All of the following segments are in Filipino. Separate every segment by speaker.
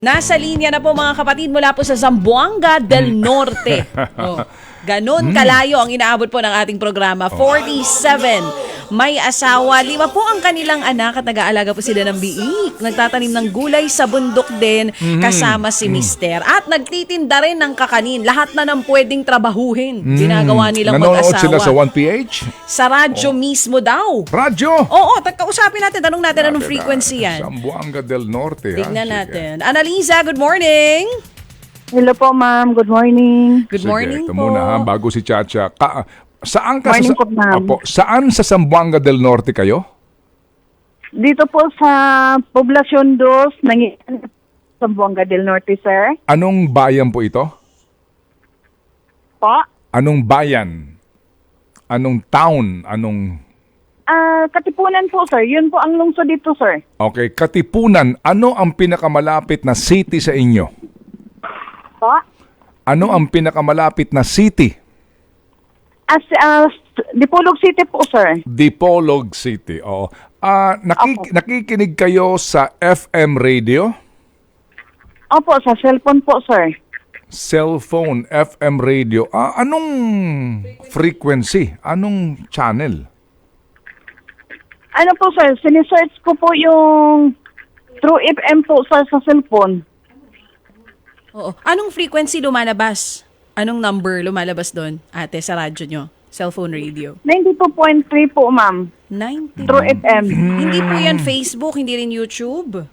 Speaker 1: Nasa linya na po mga kapatid mula po sa Zamboanga del Norte. Ganon kalayo ang inaabot po ng ating programa. 47. May asawa. 5 po ang kanilang anak at nag-aalaga po sila ng biik. Nagtatanim ng gulay sa bundok din kasama si Mister. At nagtitinda rin ng kakanin. Lahat na ng pwedeng trabahuhin. Ginagawa nilang
Speaker 2: Nanonood
Speaker 1: mag-asawa.
Speaker 2: sila sa 1PH?
Speaker 1: Sa radyo mismo daw.
Speaker 2: Radyo?
Speaker 1: Oo, kausapin natin. Tanong natin anong frequency yan.
Speaker 2: Zamboanga del Norte.
Speaker 1: Tignan
Speaker 2: Sige.
Speaker 1: natin. Annalisa, good morning.
Speaker 3: Hello po, ma'am. Good morning.
Speaker 1: Good
Speaker 2: Sige,
Speaker 1: morning
Speaker 2: ito
Speaker 1: po.
Speaker 2: muna ha, bago si Chacha. Saan ka
Speaker 3: Morning
Speaker 2: sa,
Speaker 3: po, ma'am.
Speaker 2: Opo, saan sa Zamboanga del Norte kayo?
Speaker 3: Dito po sa Poblacion 2, sa Zamboanga del Norte, sir.
Speaker 2: Anong bayan po ito?
Speaker 3: Po.
Speaker 2: Anong bayan? Anong town?
Speaker 3: Katipunan po, sir. Yun po ang lungsod dito, sir.
Speaker 2: Okay, Katipunan. Ano ang pinakamalapit na city sa inyo?
Speaker 3: Po.
Speaker 2: Ano ang pinakamalapit na city?
Speaker 3: Dipolog City po, sir.
Speaker 2: Dipolog City. Oo. Nakikinig kayo sa FM radio?
Speaker 3: Opo, sa cellphone po, sir.
Speaker 2: Cellphone, FM radio. Anong frequency? Anong channel?
Speaker 3: Ano po, sir? Sinesearch ko po yung True FM po, sir, sa cellphone.
Speaker 1: Oo. Anong frequency lumalabas? Anong number lumalabas doon, ate, sa radyo nyo? Cellphone radio?
Speaker 3: 92.3 po, ma'am.
Speaker 1: 90.
Speaker 3: True FM.
Speaker 1: Hindi po yan Facebook, hindi rin YouTube.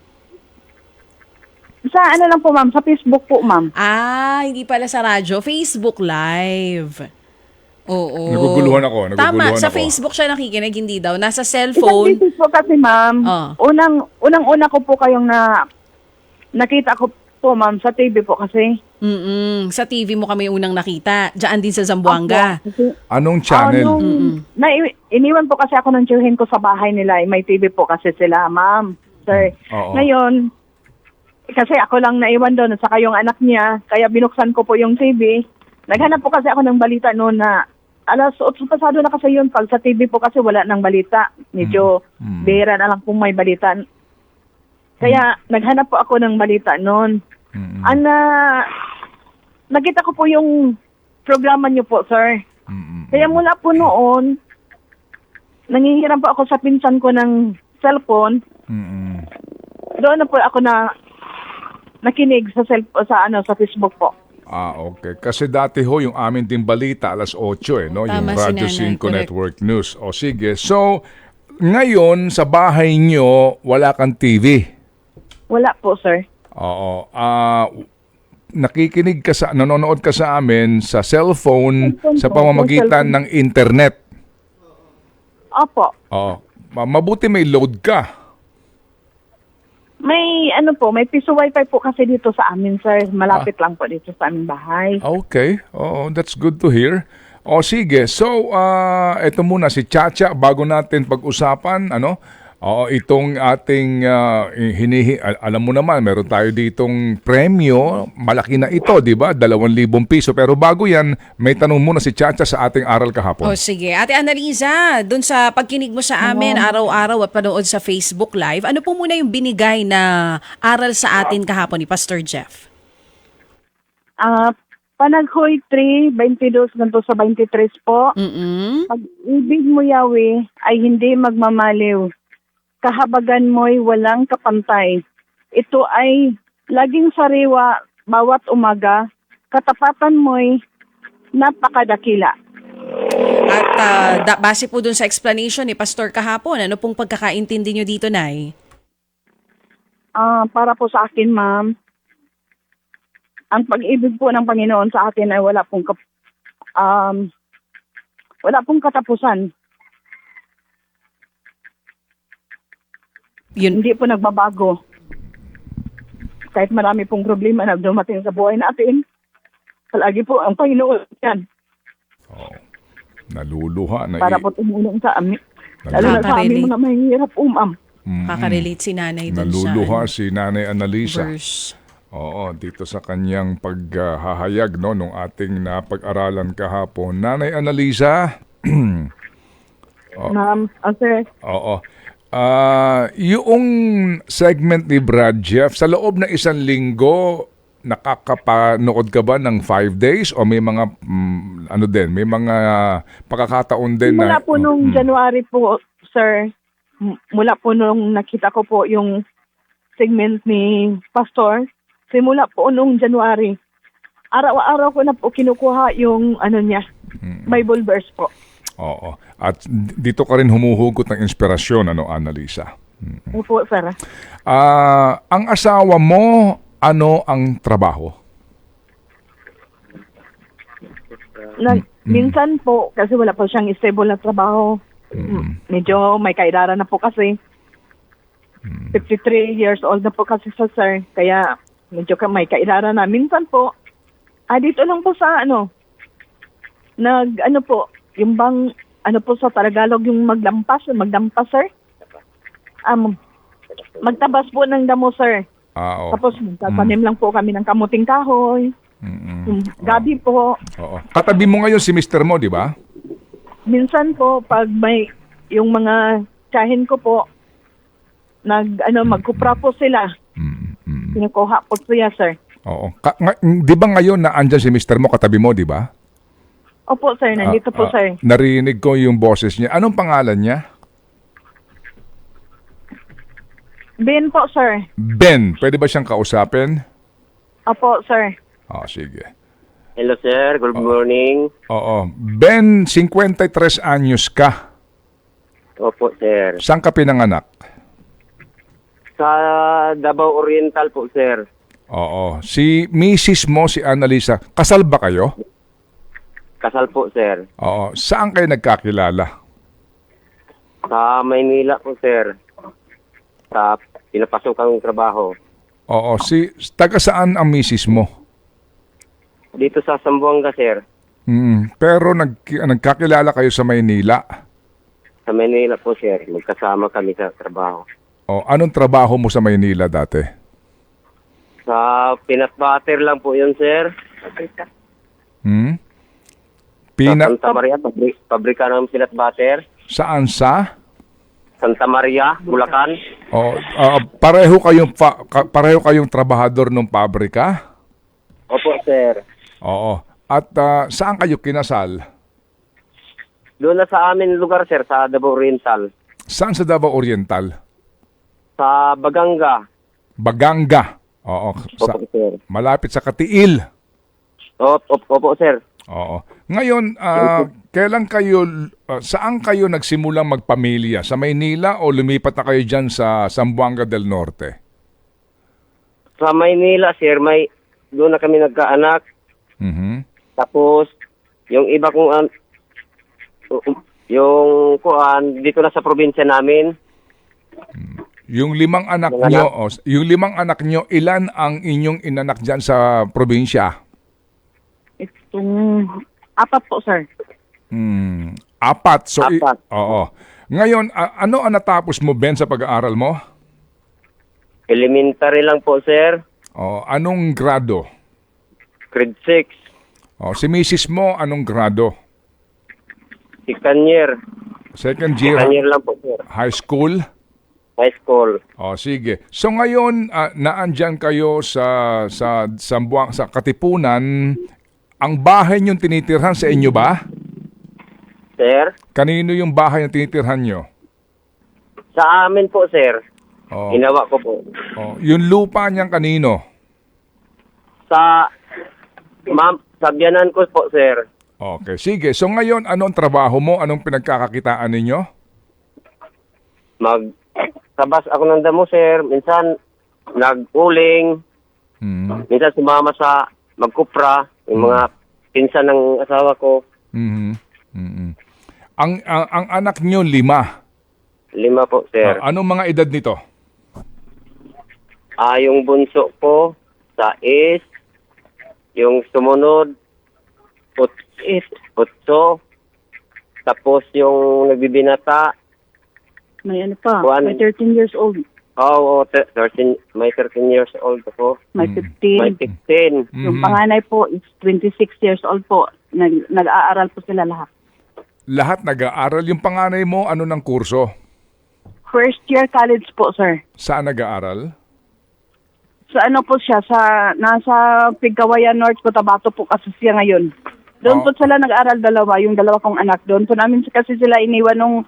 Speaker 3: Sa ano lang po, ma'am? Sa Facebook po, ma'am.
Speaker 1: Hindi pala sa radyo. Facebook Live. Oo.
Speaker 2: Naguguluhan ako.
Speaker 1: Tama, sa Facebook siya nakikinig, hindi daw. Nasa
Speaker 3: Isang
Speaker 1: cellphone.
Speaker 3: business po kasi, ma'am. Unang-una ko po kayong nakita ko po, ma'am, sa TV po kasi.
Speaker 1: Sa TV mo kami unang nakita. Diyan din sa Zamboanga.
Speaker 2: Anong channel?
Speaker 3: Iniwan po kasi ako ng tiyuhin ko sa bahay nila. May TV po kasi sila, ma'am. Sir.
Speaker 2: Oo.
Speaker 3: Ngayon, kasi ako lang naiwan doon at saka yung anak niya. Kaya binuksan ko po yung TV. Naghanap po kasi ako ng balita noon na alas 8 pasado na kasi yun. Pag sa TV po kasi wala ng balita. Medyo bihira na lang kung may balita. Kaya naghanap po ako ng balita noon. Nakita ko po yung programa niyo po, sir. Kaya mula po noon, nangihiram po ako sa pinsan ko ng cellphone. Doon na po ako nakinig sa Facebook po.
Speaker 2: Okay. Kasi dati ho, yung amin din balita, alas 8 no?
Speaker 1: Tama,
Speaker 2: Yung Radyo
Speaker 1: si Nanay,
Speaker 2: 5
Speaker 1: correct.
Speaker 2: Network News. O sige. So, ngayon, sa bahay nyo, wala kang TV.
Speaker 3: Wala po, sir.
Speaker 2: Oo. Nanonood ka sa amin sa cellphone
Speaker 3: Cellphone
Speaker 2: sa
Speaker 3: po,
Speaker 2: pamamagitan
Speaker 3: cellphone.
Speaker 2: ng internet.
Speaker 3: Opo.
Speaker 2: Oo. Mabuti may load ka.
Speaker 3: May piso wifi po kasi dito sa amin, sir. Malapit lang po dito sa aming bahay.
Speaker 2: Okay. Oo, that's good to hear. O sige. So, ito muna si Chacha bago natin pag-usapan, itong ating alam mo naman, meron tayo ditong premyo, malaki na ito, di ba? 2,000 piso. Pero bago yan, may tanong muna si Chacha sa ating aral kahapon.
Speaker 1: Sige. Ate Annalisa, dun sa pagkinig mo sa amin araw-araw at panood sa Facebook Live, ano po muna yung binigay na aral sa atin kahapon ni Pastor Jeff?
Speaker 3: Panaghoy 3, 22 ganito sa 23 po. Pag-ibig mo, Yahweh, ay hindi magmamaliw. Kahabagan mo'y walang kapantay. Ito ay laging sariwa bawat umaga. Katapatan mo'y napakadakila.
Speaker 1: At base po dun sa explanation ni Pastor kahapon, ano pong pagkakaintindi nyo dito, Nay?
Speaker 3: Para po sa akin, ma'am, ang pag-ibig po ng Panginoon sa atin ay wala pong katapusan. Hindi po nagbabago. Kahit marami pong problema na dumating sa buhay natin, palagi po ang Panginoon yan.
Speaker 2: Naluluha.
Speaker 3: Para po tumulong sa amin. Lalo na sa
Speaker 1: Nakaka-relate.
Speaker 3: amin mga mahihirap, ma'am.
Speaker 1: Kakarelate si Nanay dun
Speaker 2: Naluluha
Speaker 1: sa
Speaker 2: si Nanay Annalisa.
Speaker 1: verse.
Speaker 2: Oo, dito sa kanyang paghahayag nung ating napag-aralan kahapon. Nanay Annalisa.
Speaker 3: Ma'am, sir.
Speaker 2: Oo. Yung segment ni Brad Jeff, sa loob ng 1 linggo, nakakapanood ka ba ng 5 days o may mga may mga pagkakataon din
Speaker 3: Mula
Speaker 2: na
Speaker 3: po nung January po, sir, mula po nung nakita ko po yung segment ni Pastor, simula po nung January, araw-araw ko na po kinukuha yung niya, Bible verse po.
Speaker 2: Oo. At dito ka rin humuhugot ng inspirasyon, Annalisa?
Speaker 3: Opo, sir.
Speaker 2: Ang asawa mo, ano ang trabaho?
Speaker 3: Minsan po, kasi wala po siyang stable na trabaho. Medyo may kaedara na po kasi. 53 years old na po kasi siya, sir. Kaya medyo may kaedara na. Minsan po, dito lang po sa po, yung bang, po sa Tagalog, yung magdampas, sir. Magtabas po ng damo, sir.
Speaker 2: Oo.
Speaker 3: Tapos tatanim lang po kami ng kamuting kahoy. Yung gabi po.
Speaker 2: Oo. Katabi mo ngayon si Mr. mo, di ba?
Speaker 3: Minsan po, pag may, yung mga tsahin ko po, magkupra po sila. Kinukuha po siya, sir.
Speaker 2: Oo. Di ba ngayon na andyan si Mr. mo, katabi mo, di ba?
Speaker 3: Opo, sir. Nandito po, sir.
Speaker 2: Narinig ko yung boses niya. Anong pangalan niya?
Speaker 3: Ben po, sir.
Speaker 2: Ben. Pwede ba siyang kausapin?
Speaker 3: Opo, sir.
Speaker 2: Sige.
Speaker 4: Hello sir, good morning.
Speaker 2: Oo. Ben, 53 anyos ka.
Speaker 4: Opo sir.
Speaker 2: Saan ka pinanganak?
Speaker 4: Sa Davao Oriental po sir.
Speaker 2: Oo. Si Mrs. mo, si Annalisa, kasal ba kayo?
Speaker 4: Kasal po sir.
Speaker 2: Oo. Saan kayo nagkakilala?
Speaker 4: Sa Maynila po sir. Sa pinapasok kang trabaho.
Speaker 2: Oo. Taga saan ang Mrs. mo?
Speaker 4: Dito sa Zamboanga sir.
Speaker 2: Pero nagkakilala kayo sa Maynila?
Speaker 4: Sa Maynila po sir. Magkasama kami sa trabaho.
Speaker 2: Anong trabaho mo sa Maynila dati?
Speaker 4: Sa peanut butter lang po yun sir. Sa Santa Maria, pabrika ng peanut butter.
Speaker 2: Saan sa?
Speaker 4: Santa Maria, Bulacan.
Speaker 2: Pareho kayong trabahador ng pabrika?
Speaker 4: Opo sir.
Speaker 2: Oo. At saan kayo kinasal?
Speaker 4: Doon na sa amin lugar sir, sa Davao Oriental.
Speaker 2: Saan sa Davao Oriental?
Speaker 4: Sa Baganga.
Speaker 2: Baganga. Oo.
Speaker 4: Opo sir.
Speaker 2: Malapit sa Katiil.
Speaker 4: Opo sir.
Speaker 2: Oo. Ngayon, saan kayo nagsimulang magpamilya? Sa Maynila o lumipat na kayo dyan sa Zamboanga del Norte?
Speaker 4: Sa Maynila, sir, doon na kami nagkaanak. Tapos, yung iba kong, dito na sa probinsya namin.
Speaker 2: Yung 5 anak nyo, ilan ang inyong inanak dyan sa probinsya?
Speaker 3: Itong 4 po, sir.
Speaker 2: 4. So,
Speaker 4: 4.
Speaker 2: Oo. Ngayon, ano ang natapos mo, Ben, sa pag-aaral mo?
Speaker 4: Elementary lang po, sir.
Speaker 2: Anong grado?
Speaker 4: Grade 6.
Speaker 2: Si Mrs. mo, anong grado?
Speaker 4: Second year.
Speaker 2: Second year?
Speaker 4: Second year lang po, sir.
Speaker 2: High school?
Speaker 4: High school.
Speaker 2: Sige. So ngayon, naandyan kayo sa Katipunan. Ang bahay niyong tinitirhan sa inyo ba?
Speaker 4: Sir?
Speaker 2: Kanino yung bahay na tinitirhan nyo?
Speaker 4: Sa amin po, sir. Ginawa ko po.
Speaker 2: Yung lupa niyang kanino?
Speaker 4: Sa biyanan ko po, sir.
Speaker 2: Okay, sige. So ngayon, anong trabaho mo? Anong pinagkakakitaan ninyo?
Speaker 4: Magtabas ako ng damo, sir. Minsan, nag-uling. Minsan sumama sa magkupra. Yung mga pinsan ng asawa ko.
Speaker 2: Ang anak nyo, 5?
Speaker 4: 5 po, sir.
Speaker 2: Anong mga edad nito?
Speaker 4: Yung bunso ko, sa is. Yung sumunod, 8. Tapos yung nagbibinata.
Speaker 3: May may 13 years old.
Speaker 4: Oo, 13 years old ako.
Speaker 3: May 15.
Speaker 4: May 16.
Speaker 3: Yung panganay po is 26 years old po. Nag-aaral po sila lahat.
Speaker 2: Lahat nag-aaral. Yung panganay mo, ano ng kurso?
Speaker 3: First year college po, sir.
Speaker 2: Saan nag-aaral?
Speaker 3: Sa ano po siya, nasa Pigcawayan North, Cotabato po kasi siya ngayon. Doon po sila nag-aral dalawa, yung dalawa kong anak. Doon po namin kasi sila iniwan nung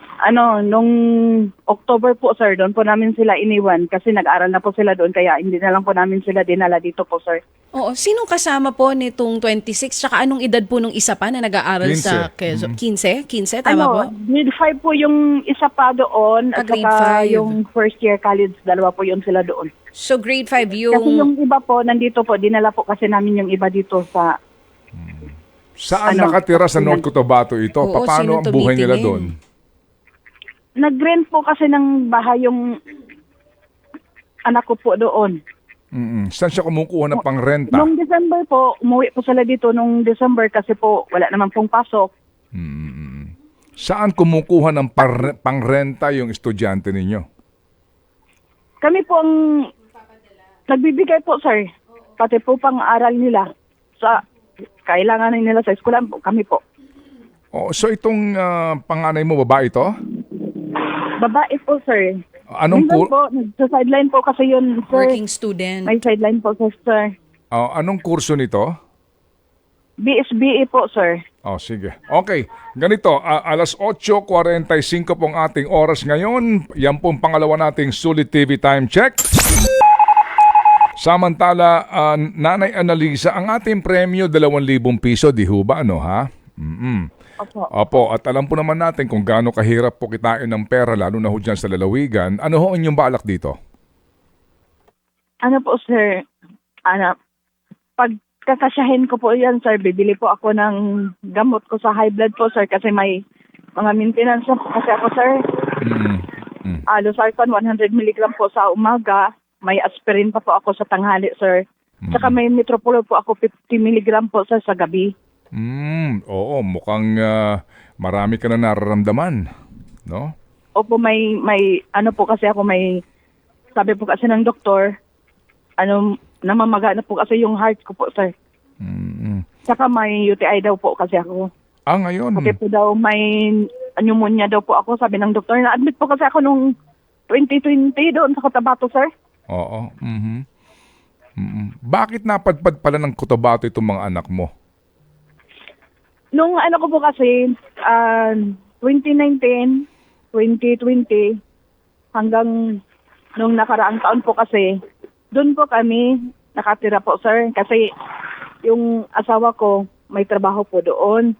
Speaker 3: October po, sir. Doon po namin sila iniwan kasi nag-aral na po sila doon. Kaya hindi na lang po namin sila dinala dito po, sir.
Speaker 1: Oo, sinong kasama po nitong 26? Tsaka anong edad po nung isa pa na nag-aaral
Speaker 2: 15.
Speaker 1: sa Quezon? 15? 15, tama po?
Speaker 3: Grade 5 po yung isa pa doon. At
Speaker 1: Grade
Speaker 3: saka
Speaker 1: 5.
Speaker 3: yung first year college, dalawa po yun sila doon.
Speaker 1: So grade 5
Speaker 3: Kasi yung iba po, nandito po, dinala po kasi namin yung iba dito sa...
Speaker 2: Saan
Speaker 3: Ano,
Speaker 2: nakatira sa North Cotabato ito?
Speaker 1: Oo,
Speaker 2: Paano
Speaker 1: sino
Speaker 2: ang buhay nila
Speaker 1: tumitingin?
Speaker 2: doon?
Speaker 3: Nag-rent po kasi ng bahay yung anak ko po doon.
Speaker 2: Saan siya kumukuha ng pangrenta?
Speaker 3: Nung December po, umuwi po sila dito nung December kasi po wala naman pong pasok.
Speaker 2: Saan kumukuha ng pangrenta yung estudyante ninyo?
Speaker 3: Kami po ang nagbibigay po, sir. Pati po pang-aral nila sa kailangan nila sa eskwelahan po. Kami po.
Speaker 2: Oh, so itong panganay mo, babae ito?
Speaker 3: Babae po, sir.
Speaker 2: Anong
Speaker 3: Minsan po, sa sideline po kasi yun, sir.
Speaker 1: working student.
Speaker 3: May sideline po, sir.
Speaker 2: anong kurso nito?
Speaker 3: BSBE po, sir.
Speaker 2: Oh, sige. Okay. Ganito, alas 8:45 pong ating oras ngayon. Yan pong pangalawa nating Sulit TV Time Check. Samantala, Nanay Analisa, ang ating premyo 2,000 piso, di ho ba? Ano, ha?
Speaker 3: Opo.
Speaker 2: Opo, at alam po naman natin kung gaano kahirap po kitain ng pera, lalo na ho dyan sa lalawigan. Ano ho inyong balak dito?
Speaker 3: Ano po, sir? Pag kakasyahin ko po yan, sir, bibili po ako ng gamot ko sa high blood po, sir, kasi may mga maintenance po kasi ako, sir. Losartan, 100 mg po sa umaga. May aspirin pa po ako sa tanghali, sir. Tsaka may Metropolo po ako 50 mg po, sir, sa gabi.
Speaker 2: Oo, mukhang marami ka na nararamdaman, no?
Speaker 3: Opo, may ano po kasi ako, sabi po kasi ng doktor, namamaga na po kasi yung heart ko po, sir. Tsaka may UTI daw po kasi ako.
Speaker 2: Ngayon.
Speaker 3: Kasi po daw may pneumonia daw po ako, sabi ng doktor. Na-admit po kasi ako nung 2020 doon sa Cotabato, sir.
Speaker 2: Oo. Bakit napadpad pala ng Cotabato itong mga anak mo?
Speaker 3: Nung ano ko po kasi, 2019, 2020, hanggang nung nakaraang taon po kasi, doon po kami nakatira po, sir. Kasi yung asawa ko, may trabaho po doon.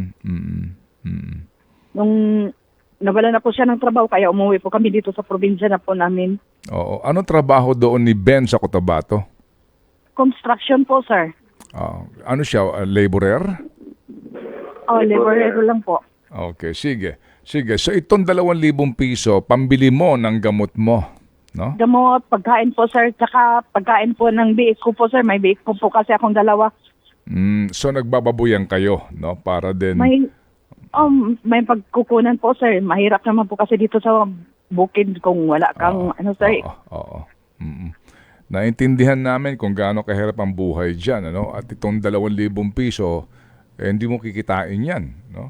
Speaker 3: Nung nawala na po siya ng trabaho, kaya umuwi po kami dito sa probinsya na po namin.
Speaker 2: Oo. Anong trabaho doon ni Ben sa Cotabato?
Speaker 3: Construction po, sir.
Speaker 2: Ano siya, laborer?
Speaker 3: Laborero lang po.
Speaker 2: Okay, sige. Sige, so itong 2,000 piso, pambili mo ng gamot mo, no?
Speaker 3: Gamot, pagkain po, sir. Tsaka pagkain po ng biik ko po, sir. May biik po kasi akong dalawa.
Speaker 2: So nagbababuyan kayo, no? Para din...
Speaker 3: May pagkukunan po, sir. Mahirap naman po kasi dito sa bukid kung wala kang sir.
Speaker 2: Oo. Naintindihan namin kung gaano kahirap ang buhay dyan, ano? At itong 2,000 piso, hindi mo kikitain yan, no?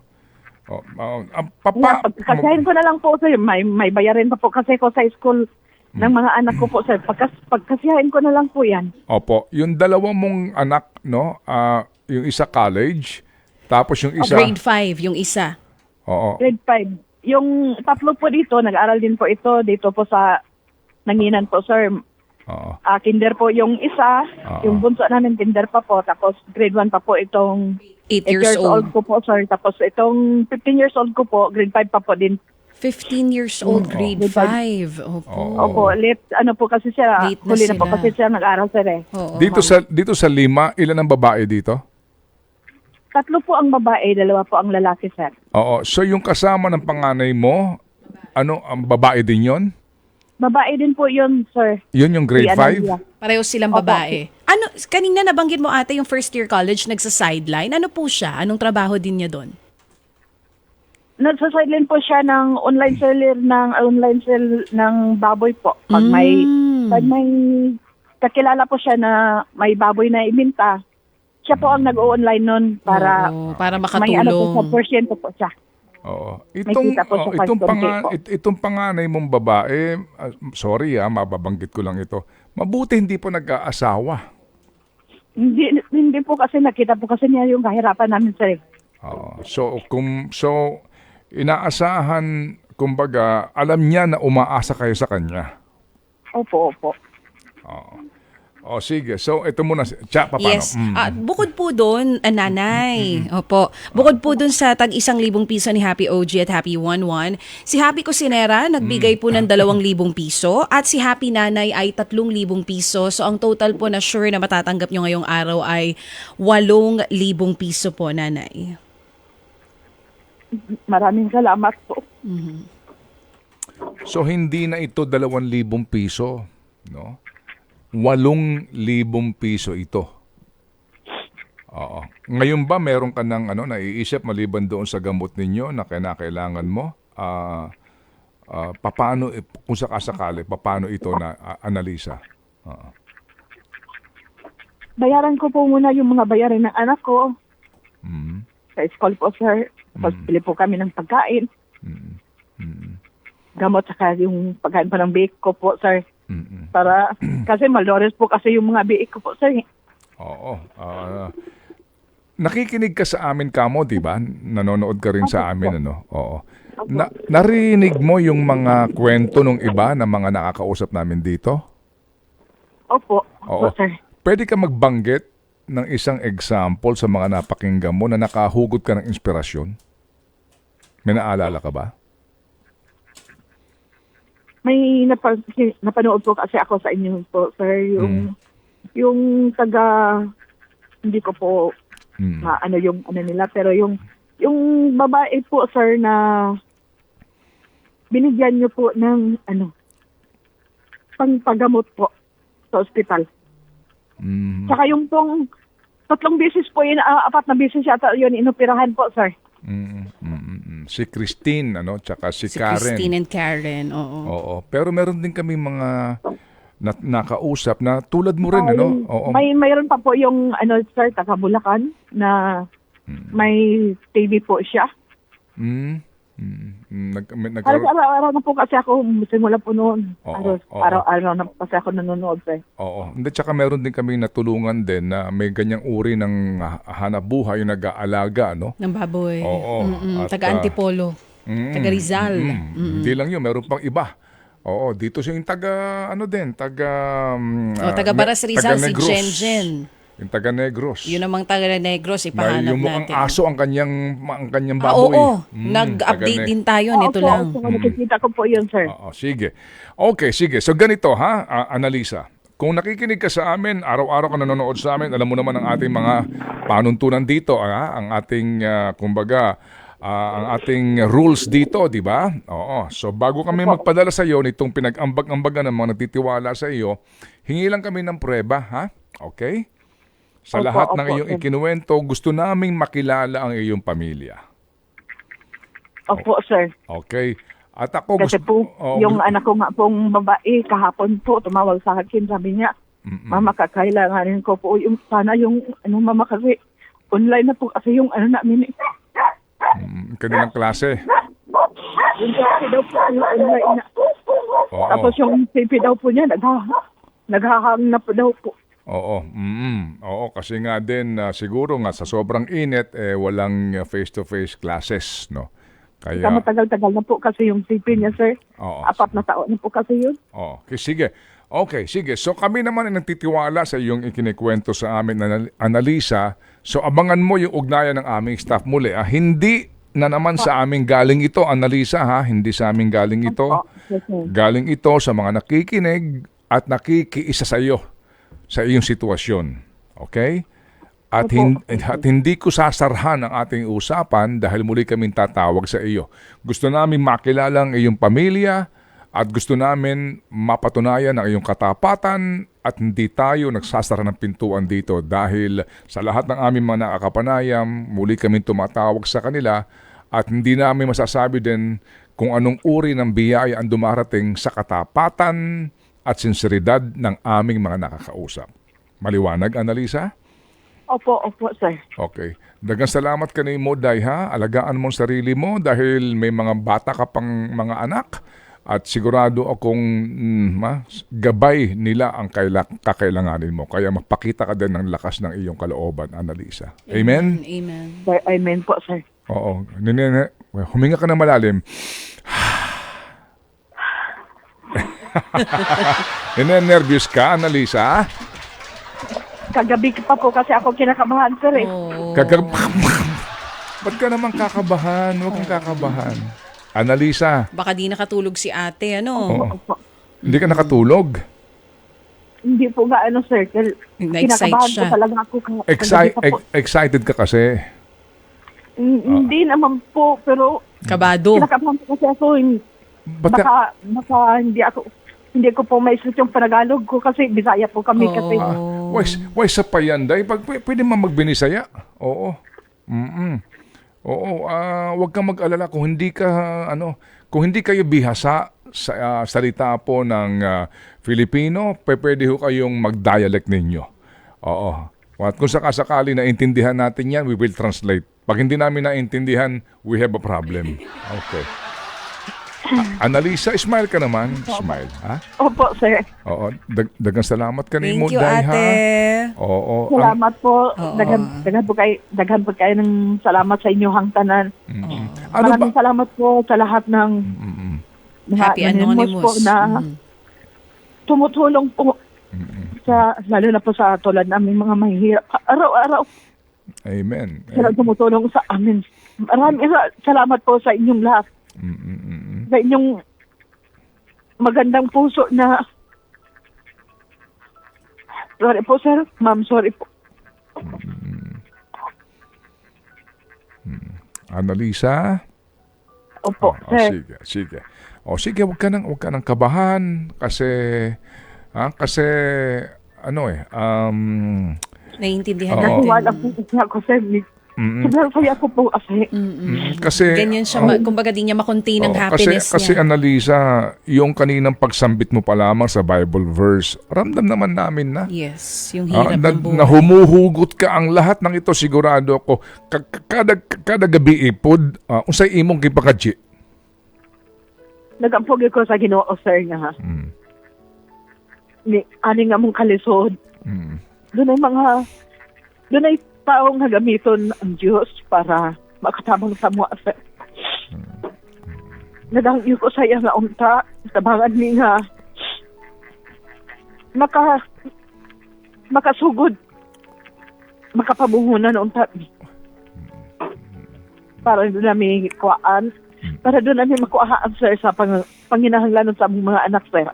Speaker 3: Pagkasahin ko na lang po, sir. May bayarin pa po kasi ko sa school ng mga anak ko po, sir. Pagkasiyahin ko na lang po yan.
Speaker 2: Opo. Yung dalawa mong anak, no? Yung isa college, tapos yung isa...
Speaker 1: Grade 5, yung isa.
Speaker 2: Oo.
Speaker 3: Grade 5. Yung tatlo po dito, nag-aral din po ito dito po sa Nanginan po, sir.
Speaker 2: Oo.
Speaker 3: Kinder po yung isa, yung bunso namin kinder pa po, tapos grade 1 pa po itong
Speaker 1: 8 years old.
Speaker 3: ko po, sir. Tapos itong 15 years old ko po, grade 5 pa po din.
Speaker 1: 15 years old, grade 5. Opo.
Speaker 3: Opo, late, ano po kasi siya,
Speaker 1: Late na
Speaker 3: huli na po
Speaker 1: sila.
Speaker 3: kasi siya nag-aral, sir, eh.
Speaker 1: Oo.
Speaker 2: Dito sa 5, ilan ang babae dito?
Speaker 3: 3 po ang babae, 2 po ang lalaki, sir.
Speaker 2: Oo. So yung kasama ng panganay mo, ang babae din yon?
Speaker 3: Babae din po yun, sir.
Speaker 2: Yun yung grade
Speaker 3: Si
Speaker 2: 5?
Speaker 3: Analia.
Speaker 1: Pareho silang babae. Ano, kanina nabanggit mo ate yung first year college nagsa-sideline. Ano po siya? Anong trabaho din niya doon?
Speaker 3: Nagsa-sideline po siya ng online sale ng baboy po. Pag may kakilala po siya na may baboy na ibinta, siya po ang nag-o-online nun para
Speaker 1: Para
Speaker 3: may ano po
Speaker 1: makatulong.
Speaker 3: sa porsyento po siya.
Speaker 2: Oo.
Speaker 3: kita po sa
Speaker 2: Itong panganay mong babae, sorry mababanggit ko lang ito. Mabuti hindi po nag-aasawa.
Speaker 3: Hindi po kasi nakita po kasi niya yung kahirapan namin, sir.
Speaker 2: Oo. So inaasahan, kumbaga, alam niya na umaasa kayo sa kanya.
Speaker 3: Opo.
Speaker 2: O sige, so ito muna, paano?
Speaker 1: Yes. Bukod po doon, nanay. Opo. Bukod po doon sa tag 1,000 piso ni Happy OG at Happy 11, si Happy Cusinera nagbigay po ng 2,000 piso at si Happy Nanay ay 3,000 piso. So ang total po na sure na matatanggap nyo ngayong araw ay 8,000 piso po, nanay.
Speaker 3: Maraming salamat po.
Speaker 2: So hindi na ito 2,000 piso, no? 8,000 piso ito. Oo. Ngayon ba meron ka ng naiisip maliban doon sa gamot ninyo na kailangan mo? Paano, kung sakasakali, paano ito na analisa?
Speaker 3: Bayaran ko po muna yung mga bayarin ng anak ko. Sa school po, sir. Tapos pili po kami ng pagkain. Gamot saka yung pagkain pa ng biik ko po, sir. Para, kasi malores po kasi yung mga biik ko po, sir.
Speaker 2: Oo. Nakikinig ka sa amin, Kamo, di ba? Nanonood ka rin sa amin, ano? Oo. Narinig mo yung mga kwento ng iba na mga nakakausap namin dito?
Speaker 3: Opo.
Speaker 2: Oo.
Speaker 3: Opo, sir.
Speaker 2: Pwede ka magbanggit ng isang example sa mga napakinggan mo na nakahugot ka ng inspirasyon? May naalala ka ba?
Speaker 3: May napanood po kasi ako sa inyo po, sir, yung taga, hindi ko po maano yung nila, pero yung babae po, sir, na binigyan niyo po ng pangpagamot po sa ospital. Saka yung pong 3 beses po, 4 na beses yata yun inoperahan po, sir.
Speaker 2: Si Christine, tsaka si Karen.
Speaker 1: Christine and Karen, oo.
Speaker 2: Oo. Pero meron din kami mga nakausap na tulad mo rin, Oo.
Speaker 3: Mayroon pa po yung, sir, taga Bulacan, na may TV po siya. Araw-araw na po kasi ako, simula po noon. Araw-araw na po kasi ako nanonood, sir.
Speaker 2: Oo. Hindi, tsaka meron din kami natulungan din na may ganyang uri ng hanap buhay yung nag-aalaga,
Speaker 1: ng baboy.
Speaker 2: Oo.
Speaker 1: Taga Antipolo. Taga Rizal.
Speaker 2: Hindi lang yun, meron pang iba. Oo, dito siya yung taga
Speaker 1: taga Baras Rizal, si Jen.
Speaker 2: Yung taga Negros.
Speaker 1: Yun namang taga Negros, ipahanap
Speaker 2: yung
Speaker 1: natin.
Speaker 2: Ang aso ang kanyang baboy.
Speaker 1: Oo, nag-update din tayo nito lang.
Speaker 3: Nakikita ko po yun, sir.
Speaker 2: Sige. Okay, sige. So ganito Annalisa. Kung nakikinig ka sa amin, araw-araw ka nanonood sa amin, alam mo naman ang ating mga panuntunan dito, ang ating, ang ating rules dito, di ba? Oo. So bago kami magpadala sa iyo nitong pinag-ambag-ambagan ng mga nagtitiwala sa iyo, hingi lang kami ng prueba, ha? Okay? Sa lahat ng iyong ikinuwento, gusto naming makilala ang iyong pamilya.
Speaker 3: Opo, sir.
Speaker 2: Okay. At ako
Speaker 3: kasi po, yung anak ko nga pong babae, kahapon po, tumawag sa akin, sabi niya, Mama, kakailanganin ko po sana yung, Mama, kasi online na po kasi yung namin.
Speaker 2: Kanilang klase.
Speaker 3: Yung klase daw po, yung online na. Tapos yung CP daw po niya, naghahang na po daw po.
Speaker 2: Oo. Oo, kasi nga din siguro nga sa sobrang init walang face-to-face classes, no. Kaya
Speaker 3: matagal-tagal na po kasi yung CP niya, sir. 4 na taon na po kasi yun.
Speaker 2: Okay, sige. Okay, sige. So kami naman ay nagtitiwala sa iyong ikinikwento sa amin, Annalisa. So abangan mo yung ugnayan ng aming staff muli. Hindi na naman sa aming galing ito, Annalisa, ha? Hindi sa aming galing ito. Galing ito sa mga nakikinig at nakikiisa sa iyo sa iyong sitwasyon. Okay? At hindi ko sasarhan ang ating usapan dahil muli kaming tatawag sa iyo. Gusto namin makilala ang iyong pamilya at gusto namin mapatunayan ang iyong katapatan at hindi tayo nagsasara ng pintuan dito dahil sa lahat ng aming mga nakakapanayam, muli kaming tumatawag sa kanila at hindi namin masasabi din kung anong uri ng biyaya ang dumarating sa katapatan at sinseridad ng aming mga nakakausap. Maliwanag, Annalisa?
Speaker 3: Opo, sir.
Speaker 2: Okay. Dagang salamat ka ni mo, Day, ha? Alagaan mo ang sarili mo dahil may mga bata ka pang mga anak at sigurado akong gabay nila ang kakailanganin mo. Kaya mapakita ka din ng lakas ng iyong kalooban, Annalisa. Amen?
Speaker 1: Amen.
Speaker 3: Sir, amen po, sir.
Speaker 2: Oo. Huminga ka na malalim. Nervous ka, Annalisa?
Speaker 3: Kagabi pa po kasi ako kinakabahan, sir.
Speaker 1: Oh.
Speaker 2: Ba't ka naman kakabahan? Huwag kang kakabahan. Annalisa,
Speaker 1: Baka di nakatulog si ate, ano?
Speaker 3: Opo.
Speaker 2: hindi ka nakatulog.
Speaker 3: Hindi po nga, sir.
Speaker 1: Na-excite
Speaker 3: Kinakabahan
Speaker 1: siya.
Speaker 3: po talaga ako. Kagabi pa po.
Speaker 2: Excited ka kasi.
Speaker 3: Hindi naman po, pero
Speaker 1: Kabado.
Speaker 3: kinakabahan po kasi ako.
Speaker 2: Ba't ka,
Speaker 3: Baka hindi ko po maisip yung Panagalog ko kasi Bisaya po kami kasi.
Speaker 2: why sa payanday? Pwede man magbinisaya? Oo. Oo, wag kang mag-alala kung hindi kayo bihasa sa salita po ng Filipino, pwede ho kayong mag-dialect ninyo. Oo. At kung sakasakali na intindihan natin yan, we will translate. Pag hindi namin naintindihan, we have a problem. Okay. Annalisa, smile ka naman. Smile, ha?
Speaker 3: Opo, sir.
Speaker 2: Oo. Dagang salamat ka ni mo,
Speaker 1: Thank you,
Speaker 2: Day, ha?
Speaker 1: ate.
Speaker 2: Oo.
Speaker 3: Salamat po.
Speaker 1: Oo.
Speaker 3: Daghan po kayo ng salamat sa inyong hangtanan.
Speaker 2: Ano ba?
Speaker 3: Maraming salamat po sa lahat ng mga
Speaker 1: Happy Anonymous.
Speaker 3: po na tumutulong po sa, lalo na po sa tulad namin mga mahihirap. Araw-araw
Speaker 2: Amen.
Speaker 3: sila tumutulong sa amin. Maraming salamat po sa inyong lahat. Sa inyong magandang puso na sorry po, sir. Ma'am, sorry po.
Speaker 2: Annalisa?
Speaker 3: Opo, sir.
Speaker 2: Sige. Sige, wag ka nang kabahan kasi
Speaker 1: Naiintindihan
Speaker 2: Oo.
Speaker 1: natin.
Speaker 3: Natiwala po kasi ako, sir. Sobrang saya ko po
Speaker 2: kasi
Speaker 1: Ganyan siya, kumbaga di niya makontain ang happiness
Speaker 2: kasi
Speaker 1: niya.
Speaker 2: Annalisa, yung kaninang pagsambit mo pa lamang sa Bible verse, ramdam naman namin na.
Speaker 1: Yes, yung hirap ng buhay.
Speaker 2: Na humuhugot ka ang lahat ng ito, sigurado ako. Kada gabi ipod, unsay imong gipakadji.
Speaker 3: Nagampogi ko sa Ginoo, sir, nga ha. Ani nga mong kalisod. Doon ay taong nagamiton ang Diyos para makatabang sa mga sir. Nagangyo ko sa iya nga unta, tabangan ni nga makasugod, makapabungunan unta. Para doon namin kuwaan, para doon namin makuhaan, sir, sa panginahanglanon sa among mga anak, sir.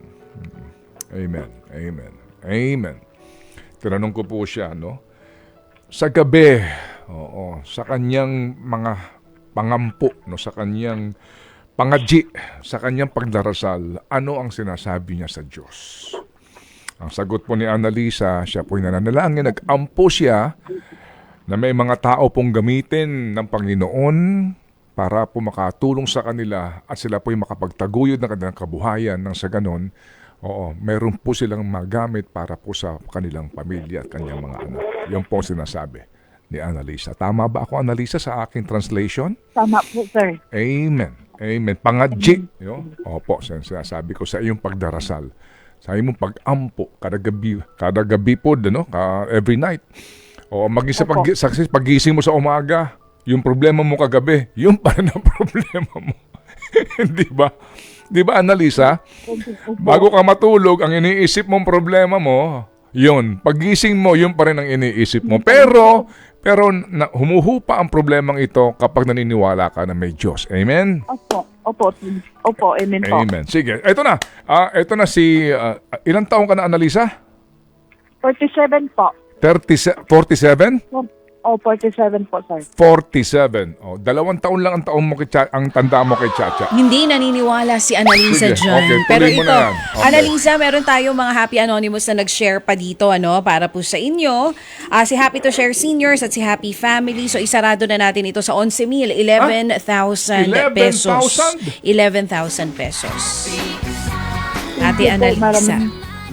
Speaker 2: Amen. Tinanong ko po siya, no? Sa gabi, sa kanyang mga pangampo, no, sa kanyang pangadji, sa kanyang pagdarasal, ano ang sinasabi niya sa Diyos? Ang sagot po ni Annalisa, siya po'y nananalangin, nag-ampo siya na may mga tao pong gamitin ng Panginoon para po makatulong sa kanila at sila po'y makapagtaguyod ng kanilang kabuhayan nang sa ganon, meron po silang magamit para po sa kanilang pamilya at kanyang mga anak. Yan po sinasabi ni Annalisa. Tama ba ako, Annalisa, sa aking translation?
Speaker 3: Tama po, sir.
Speaker 2: Amen. Pangadji. Opo, sinasabi ko sa iyong pagdarasal. Sa iyong pag-ampo, kada gabi po, every night. Maging sa pag-gising mo sa umaga, yung problema mo kagabi, yung pa rin ang problema mo. Di ba? Di ba, Annalisa? Bago ka matulog, ang iniisip mong problema mo, yun. Paggising mo, yun pa rin ang iniisip mo. Pero humuhupa ang problemang ito kapag naniniwala ka na may Diyos. Amen?
Speaker 3: Opo, amen po.
Speaker 2: Amen. Sige, ito na. Ito na si, ilang taong ka na, Annalisa?
Speaker 3: 47 po.
Speaker 2: 47?
Speaker 3: 47 po, sir.
Speaker 2: 47. 2 taon lang ang tanda mo kay Chacha.
Speaker 1: Hindi naniniwala si Annalisa
Speaker 2: Sige,
Speaker 1: dyan.
Speaker 2: okay,
Speaker 1: Pero
Speaker 2: tuloy mo
Speaker 1: ito,
Speaker 2: na yan. Okay.
Speaker 1: Annalisa, meron tayo mga Happy Anonymous na nag-share pa dito para po sa inyo. Si Happy to Share Seniors at si Happy Family. So, isarado na natin ito sa 11,000, 11,000 pesos. 11,000 pesos. Ate Annalisa.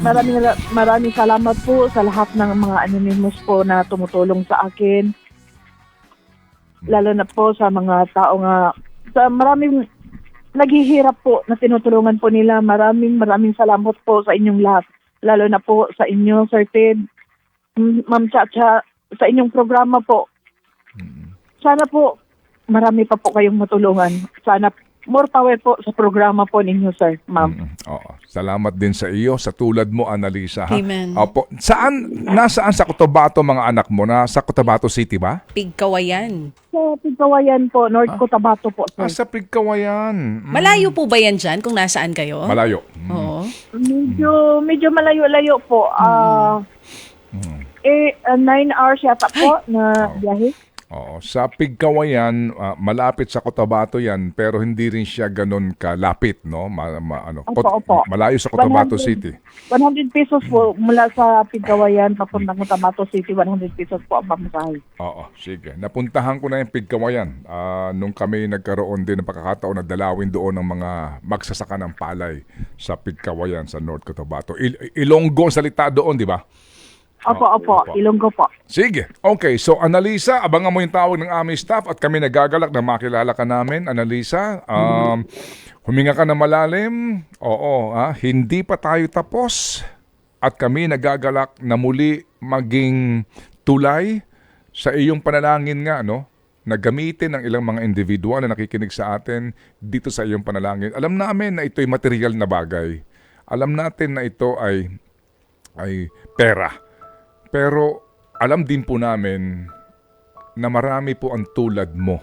Speaker 3: maraming salamat po sa lahat ng mga anonymous po na tumutulong sa akin. Lalo na po sa mga tao nga, sa maraming naghihirap po na tinutulungan po nila. Maraming salamat po sa inyong lahat. Lalo na po sa inyo, Sir Ted, Ma'am Chacha, sa inyong programa po. Sana po, marami pa po kayong matulungan. Sana more power po sa programa po ninyo, Sir, Ma'am.
Speaker 2: Oo. Salamat din sa iyo, sa tulad mo, Annalisa. Ha?
Speaker 1: Amen.
Speaker 2: Opo. Nasaan sa Cotabato mga anak mo? Nasa Cotabato City ba?
Speaker 1: Pigkawayan.
Speaker 3: Sa Pigkawayan po, North Cotabato po, Sir.
Speaker 2: Sa Pigkawayan.
Speaker 1: Malayo po ba yan dyan kung nasaan kayo?
Speaker 2: Malayo.
Speaker 1: Oo.
Speaker 3: Medyo malayo-layo po. 9 hours yata po na biyahe.
Speaker 2: Oo. Sa Pigkawayan, malapit sa Cotabato yan, pero hindi rin siya ganun kalapit, no?
Speaker 3: Opo.
Speaker 2: Malayo sa Cotabato
Speaker 3: 100
Speaker 2: City.
Speaker 3: 100 pesos po mula sa Pigkawayan papuntang Cotabato City. 100 pesos po ang pamasahe.
Speaker 2: Oo, sige. Napuntahan ko na yung Pigkawayan. Nung kami nagkaroon din ng pagkakataon na dalawin doon ng mga magsasaka ng palay sa Pigkawayan sa North Cotabato. Ilonggo ang salita doon, di ba?
Speaker 3: Opo. Ilonggo po.
Speaker 2: Sige. Okay. So, Annalisa, abangan mo yung tawag ng aming staff at kami nagagalak na makilala ka namin, Annalisa. Huminga ka na malalim. Oo. Hindi pa tayo tapos. At kami nagagalak na muli maging tulay sa iyong panalangin nga, no? Na gamitin ng ilang mga individual na nakikinig sa atin dito sa iyong panalangin. Alam namin na ito'y material na bagay. Alam natin na ito ay pera. Pero alam din po namin na marami po ang tulad mo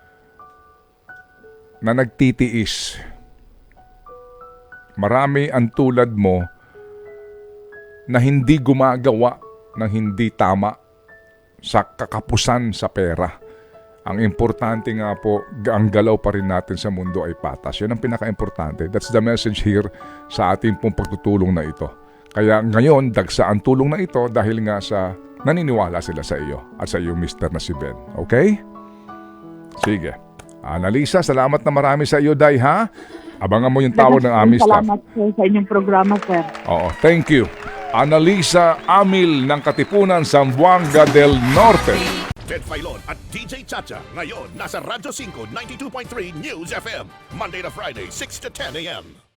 Speaker 2: na nagtitiis. Marami ang tulad mo na hindi gumagawa ng hindi tama sa kakapusan sa pera. Ang importante nga po, ang galaw pa rin natin sa mundo ay patas. Yan ang pinaka-importante. That's the message here sa ating pong pagtutulong na ito. Kaya ngayon, dagsa ang tulong na ito dahil nga sa naniniwala sila sa iyo at sa iyo, Mr. na si Ben. Okay? Sige. Annalisa, salamat na marami sa iyo, Day, ha? Abangan mo yung tawag ng aming staff.
Speaker 3: Salamat po sa inyong programa, Sir.
Speaker 2: Oo, thank you. Annalisa Amil ng Katipunan, Zamboanga del Norte.
Speaker 5: Ted Filon at DJ Chacha. Ngayon, nasa Radyo 5, 92.3 News FM. Monday to Friday, 6 to 10 a.m.